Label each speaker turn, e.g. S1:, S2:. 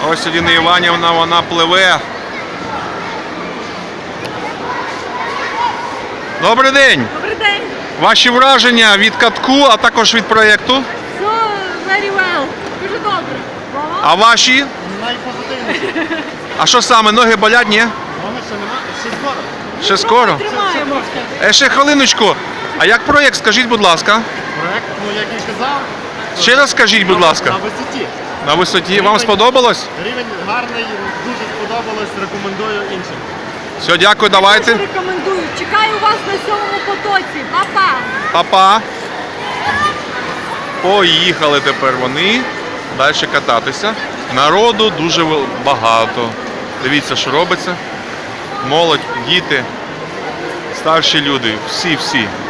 S1: Ось Аліна Іванівна, вона пливе. Добрий день!
S2: Добрий день!
S1: Ваші враження від катку, а також від проєкту?
S2: So very well. Дуже добре.
S1: А ваші?
S3: Найпозитивніше.
S1: А що саме, ноги болять, ні?
S3: Ноги ще нема, ще скоро.
S1: Ще скоро?
S2: Тримаємо.
S1: Ще хвилиночку. А як проєкт, скажіть, будь ласка?
S3: Проект, як і казав,
S1: Ще раз скажіть, будь ласка.
S3: на висоті.
S1: На висоті. Вам сподобалось?
S3: Рівень гарний, дуже сподобалось, рекомендую іншим.
S1: Все, дякую, давайте.
S2: Дуже рекомендую. Чекаю вас на 7-му потоці. Па-па!
S1: Па-па. Поїхали тепер вони далі кататися. Народу дуже багато. Дивіться, що робиться. Молодь, діти, старші люди, всі.